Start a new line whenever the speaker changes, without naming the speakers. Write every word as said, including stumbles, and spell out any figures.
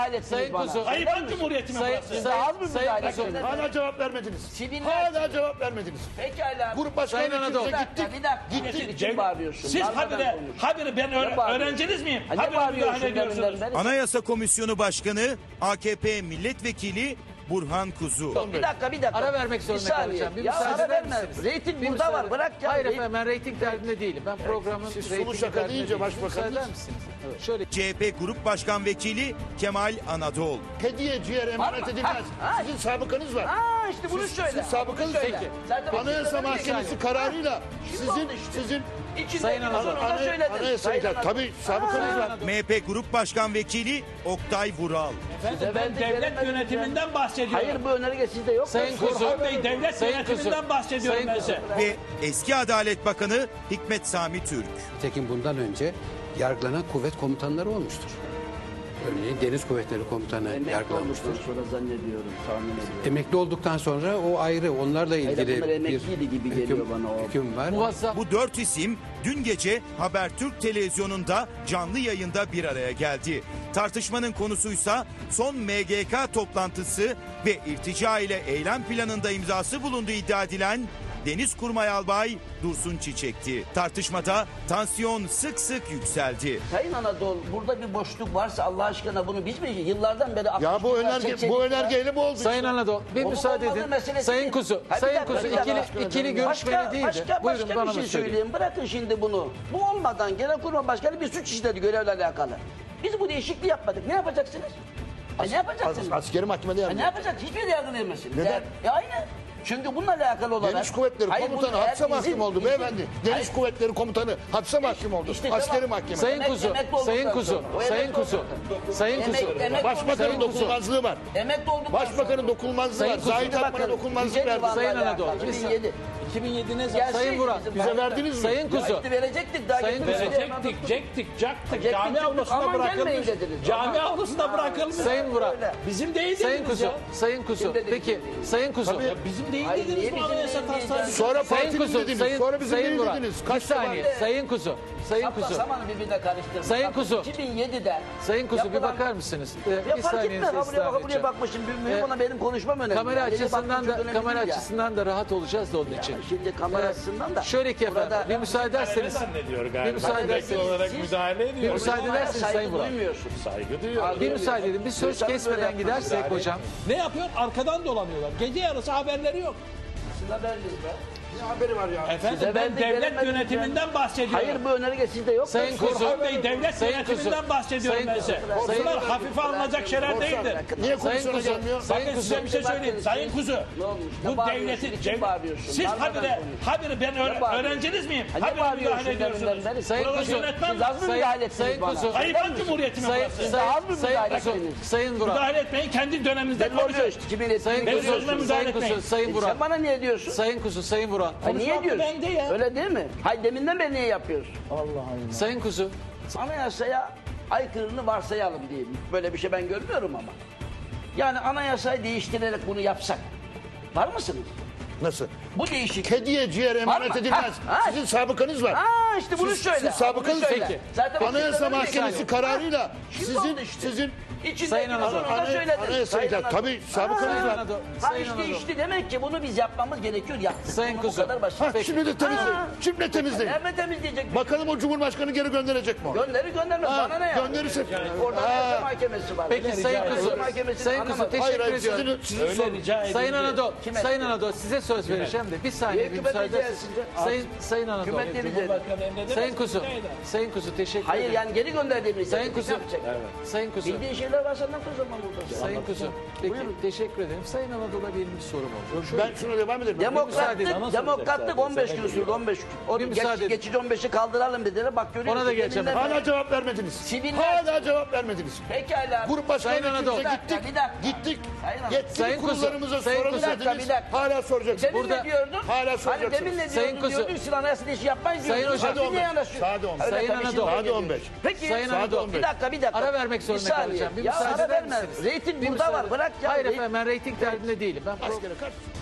müdahale ettiniz
Sayın
bana?
Kuzu.
Hayır, ben Cumhuriyet'ime
Sayın,
burası.
Siz
sayın,
az mı
sayın
müdahale
Kuzu.
ettiniz?
Hala cevap vermediniz.
Siviller-
Hala cevap vermediniz.
Pekala.
Grup başkan
Sayın Anadolu.
vekilimize
Bir dakika,
gittik.
bir dakika.
Gittik.
Için bağırıyorsun.
Siz
Darmadan
habire,
konuş.
habire ben öğre-
Ne bağırıyorsun?
öğrenciniz miyim?
Ha, ne
Habire
bağırıyorsun
müdahale ediyorsunuz.
deminden beri?
Anayasa Komisyonu Başkanı A K P Milletvekili Burhan Kuzu.
Bir dakika bir dakika.
Ara vermek zorunda
Bir saniye.
kalacağım. Bir
ya
müsaade
ara
eder
verme.
misiniz?
Reyting
Bir
burada
müsaade-
var. Bırak ya.
Hayır
Reyting-
efendim ben reyting derdinde değilim. Ben programın
siz
reytingi
sulu şaka
derdinde
deyince
değilim.
başbakanınız-
Müsaade eder misiniz? Evet. Şöyle
C H P Grup Başkan Vekili Kemal Anadol.
Hediye ciğer emanet
Var mı?
edilmez.
Ha, ha.
Sizin sabıkanız var.
Aa işte bunu
Siz-
söyle.
siz sabıkanız
Bunu söyle.
peki.
Zaten
Anayasa
bunu
Mahkemesi
söyle.
kararıyla
Şimdi
sizin
oldu işte.
sizin
İçinde
Sayın
bir
Anadolu.
sorunu da
ana,
söyledin.
anayasayı
Sayın
da
Anadolu.
tabii sabıkanız var.
M H P Grup Başkan Vekili Oktay Vural.
Efendim,
Size
ben
verdik,
devlet
veremedik
yönetiminden bahsediyorum.
Hayır bu önerge sizde yok.
Sayın Kuzu.
Burhan Bey, devlet
Sayın
yönetiminden
Kuzu.
bahsediyorum
Sayın
ben
Kuzu.
size.
Ve eski Adalet Bakanı Hikmet Sami Türk.
Nitekim bundan önce yargılanan kuvvet komutanları olmuştur. Örneğin Deniz Kuvvetleri Komutanı
Emekli
yargılanmıştır.
olduktan sonra zannediyorum, tahmin ediyorum.
Emekli olduktan sonra o ayrı, onlarla ilgili
bunlar
bir
emekliydi gibi geliyor
hüküm,
bana o.
hüküm var.
muvazzaf.
Bu dört isim dün gece Habertürk televizyonunda canlı yayında bir araya geldi. Tartışmanın konusuysa son M G K toplantısı ve irtica ile eylem planında imzası bulunduğu iddia edilen Denizkurmay Albay Dursun Çiçek'ti. Tartışmada tansiyon sık sık yükseldi.
Sayın Anadolu burada bir boşluk varsa Allah aşkına bunu biz mi yıllardan beri
Ya bu önerge bu önergeyle bu oldu.
Sayın Anadolu bir
Olup
müsaade
olmadığı
edin.
meselesi
Sayın
değil.
Kuzu.
Ha, bir
Sayın
dakika,
Kuzu
bir dakika.
ikili, ikili görüşmeli
Başka,
değildi.
başka,
Buyurun
başka
bana
bir şey
da söyleyin.
söyleyeyim. Bırakın şimdi bunu. Bu olmadan Genelkurmay Başkanı bir suç işledi görevle alakalı. Biz bu değişikliği yapmadık. Ne yapacaksınız? Ha, ne yapacaksınız?
As- askeri mahkemede
Ha, ne
yargı.
yapacak? Hiçbir yerde yargılayamazsınız.
Neden?
Ya, ya aynı. Çünkü bununla alakalı olarak...
Deniz Kuvvetleri
Hayır,
Komutanı
bunu eğer
hapse
izin-
mahkum oldu
izin-
beyefendi. Deniz
Hayır.
Kuvvetleri Komutanı hapse mahkum oldu.
İşte
Askeri
tamam.
mahkeme.
Sayın
Emek-
Kuzu.
emekli olduktan
Sayın Kuzu.
sonra. O
Sayın
emekli
Kuzu.
olduktan sonra.
Sayın
Emek-
Kuzu.
emek-
Başbakanın
Sayın Kuzu.
dokunulmazlığı var.
Emekli olduktan
Başbakanın
sonra.
dokunulmazlığı
Sayın
var.
Kuzu.
Zahid Akman'a dokunulmazlık
Yüce
verdi.
Divan'la
Sayın
alakalı.
Anadolu, bir
iki bin yedi.
iki bin yedi ne zaman?
Gelseydi
Sayın Vural.
bizim
Bize
başta.
verdiniz mi?
Sayın Kuzu.
Ya işte verecektik daha
Sayın
getirmedi.
Verecektik, cektik, caktık.
Cektik,
Cami
cektik.
avlusuna
Aman gelmeyin
bırakılmış.
dediniz.
Cami
Aman.
avlusuna bırakılmış.
Sayın Vural.
Öyle.
Bizim değil
Sayın
dediniz
Kuzu.
ya.
Sayın Kuzu.
Kim dedi?
Peki Sayın Kuzu.
Ya bizim değil
Hayır,
dediniz
niye
bu
bizim
anayasa
değil
taslağı.
diyeceğiz?
Sonra
Sayın
partinin
Kuzu.
dediniz.
Sayın,
Sonra bizim
Sayın
değil
Vural.
dediniz.
Bir
Kaç
saniye.
defa?
Sayın Kuzu. Sayın
Sapla
Kuzu.
samanı birbirine karıştırma.
Sayın
Bak,
Kuzu.
iki bin yedide.
Sayın Kuzu bir
yapılan-
bakar mısınız? Ee,
Ya
bir
fark
saniye
etmez. Ha, buraya,
ısrar
bak, buraya
edeceğim.
bakmışım. Mühim
Ee,
ona benim konuşmam önemli.
Kamera
Yani. Yeni
açısından
baktım,
da
çok önemli
kamera
değil ya.
açısından da rahat olacağız da onun için.
Şimdi kamera
Ee,
açısından da.
Şöyle ki efendim
burada-
bir müsaade ederseniz.
zannediyor
Bir
galiba.
müsaade
Emekli
ederseniz.
olarak
Siz-
müdahale
Bir
ediyor.
müsaade
Bunlara
ederseniz
saygı
Sayın Vural.
duymuyorsun.
Saygı duyuyor.
Bir müsaade edin. Bir söz
Lütfen böyle
kesmeden
yapın.
gidersek hocam.
Ne yapıyor? Arkadan dolanıyorlar. Gece yarısı haberleri yok.
Sizin haberiniz be.
Ne haberi var ya?
Efendim
Size
ben
verdik,
devlet
veremedik
yönetiminden bahsediyorum.
Hayır bu önerge sizde yok.
Sayın
Dur,
Kuzu.
Burhan Bey devlet
Sayın
yönetiminden
Kuzu.
bahsediyorum
Sayın
ben
Kuzu.
size.
Sayın
Bunlar
Kuzu.
hafife alınacak şeyler değildir.
Niye
Sayın
komisyona
Kuzu.
gelmiyor?
Sayın
Bakın size
Kuzu.
bir şey söyleyeyim. Sayın Kuzu.
Ne olmuş? Ne
Bu
bağırıyorsun?
devletin...
Niçin
devlet-
bağırıyorsun?
Siz
Darmadan
habire,
konuş.
habire ben öğre-
Ne bağırıyorsun?
öğrenciniz miyim?
Ha, ne
Habire
bağırıyorsun
müdahale ediyorsunuz.
deminden beri?
Sayın
Buraları
Kuzu.
yönetmem
Siz az mı
Sayın-
müdahale ettiniz
Sayın
bana?
Kuzu.
Hayır ben Cumhuriyetime
Sayın,
burası.
Daha az mı
sayın, sayın,
müdahale
Kuzu,
ettiniz?
Sayın Vural.
Müdahale etmeyin kendi döneminizde
Belli oluyor
konuşun.
işte. Kimin ettiğini
Sayın
Benim
Kuzu,
sözüme
görüyorsun.
müdahale
Sayın Kuzu,
etmeyin.
Sayın Vural.
Sen bana niye diyorsun?
Sayın Kuzu, Sayın Vural.
Ha, niye
hakkı
diyorsun?
bende ya.
Öyle değil mi? Hayır deminden beri niye yapıyorsun?
Sayın Kuzu.
Anayasaya aykırını varsayalım diyelim. Böyle bir şey ben görmüyorum ama. Yani anayasayı değiştirerek bunu yapsak. Var mısınız?
Nasıl?
Bu değişik.
Kediye ciğer emanet
Var mı?
edilmez.
Ha, ha.
Sizin sabıkanız var.
Aa işte bunu
Siz-
söyle.
siz sabıkanız
Bunu söyle.
peki.
Zaten
Anayasa
bu
Mahkemesi
söyle.
kararıyla
Şimdi
sizin
oldu işte.
sizin
İçindeki
Sayın Anadolu.
sorunu da
Ana-
söyledin.
anayasayı
Sayın
da-
Anadolu.
tabii sabıkanız
Ha,
var.
Ha
Sayın
işte
Anadolu.
işte demek ki bunu biz yapmamız gerekiyor. Yaptık.
Sayın
Bunu
Kuzu.
Bu kadar basit.
Ha,
Peki.
şimdi de temizleyin.
Ha.
Şimdi temizleyin.
Nerede temizleyecek?
Bakalım o Cumhurbaşkanı geri gönderecek mi onu?
Gönderi gönderme.
Ha,
Bana ne ya?
gönderirse-
Orada
Ha.
Anayasa Mahkemesi var.
Peki
Rica
Sayın
ederim.
Kuzu.
Anayasa Mahkemesi'ni
Sayın Kuzu
anlamadım.
teşekkür
Hayır, hayır,
ediyorum.
sizin, sizin
Öyle
sorun.
rica edin.
Sayın Anadolu,
Kim
Sayın
etti?
Anadolu size söz vereceğim de bir saniye bir
Hükümet
müsaade
rica
etsiniz.
etsin.
Sayın Sayın Anadolu.
Hükümet de rica eder.
Cumhurbaşkanı emredemez.
Sayın Kuzu.
rica eder.
Sayın Kuzu teşekkür
Hayır
ederim.
yani geri gönderdiğimiz.
Sayın Kuzu. Sayın Kuzu.
Bildiğin şeyler var senden o zaman burada.
Sayın Kuzu. Peki teşekkür ederim. Sayın Anadolu'na benim bir sorum oldu. Şöyle-
Ben şuna devam edelim.
Demokratlık,
Müsaade-
demokratlık on beş gün sürdü on beş gün. O
Bir
geç,
müsaade edin.
geçici on beşi kaldıralım dediler. Bak görüyorsun.
Ona da geleceğim.
yerinden-
Hala cevap vermediniz.
Siviller-
Hala cevap vermediniz.
Pekala.
Grup başkan
Sayın Anadolu.
vekilimize
Bir dakika,
gittik.
bir dakika.
Gittik.
Sayın Anadolu.
Yetkili
Sayın Kuzu,
kurullarımıza
Sayın
soralım
Kuzu.
Bir dakika,
dediniz.
bir dakika.
Hala soracaksınız.
Demin
Burada-
ne diyordun?
Hala
Hani
soracaksınız.
demin ne
Sayın
diyordun?
Kuzu.
Diyordun siz anayasa değişi yapmayın
Sayın
diyordun.
Hocam.
Siz niye
Saat
yanaşıyorsunuz?
Saat on beş.
Öyle
Sayın
tabii,
Anadolu.
şimdi
Saat
geliyor.
on beş.
Peki.
Sayın
Saat
Anadolu.
on beş.
Bir dakika bir dakika.
Ara vermek zorunda
Bir saniye.
kalacağım. Bir
ya
müsaade
ara
eder
verme.
misiniz?
Reyting
Bir
burada
müsaade-
var. Bırak ya.
Hayır
Reyting-
efendim ben reyting derdinde değilim. Ben
Askere kaç?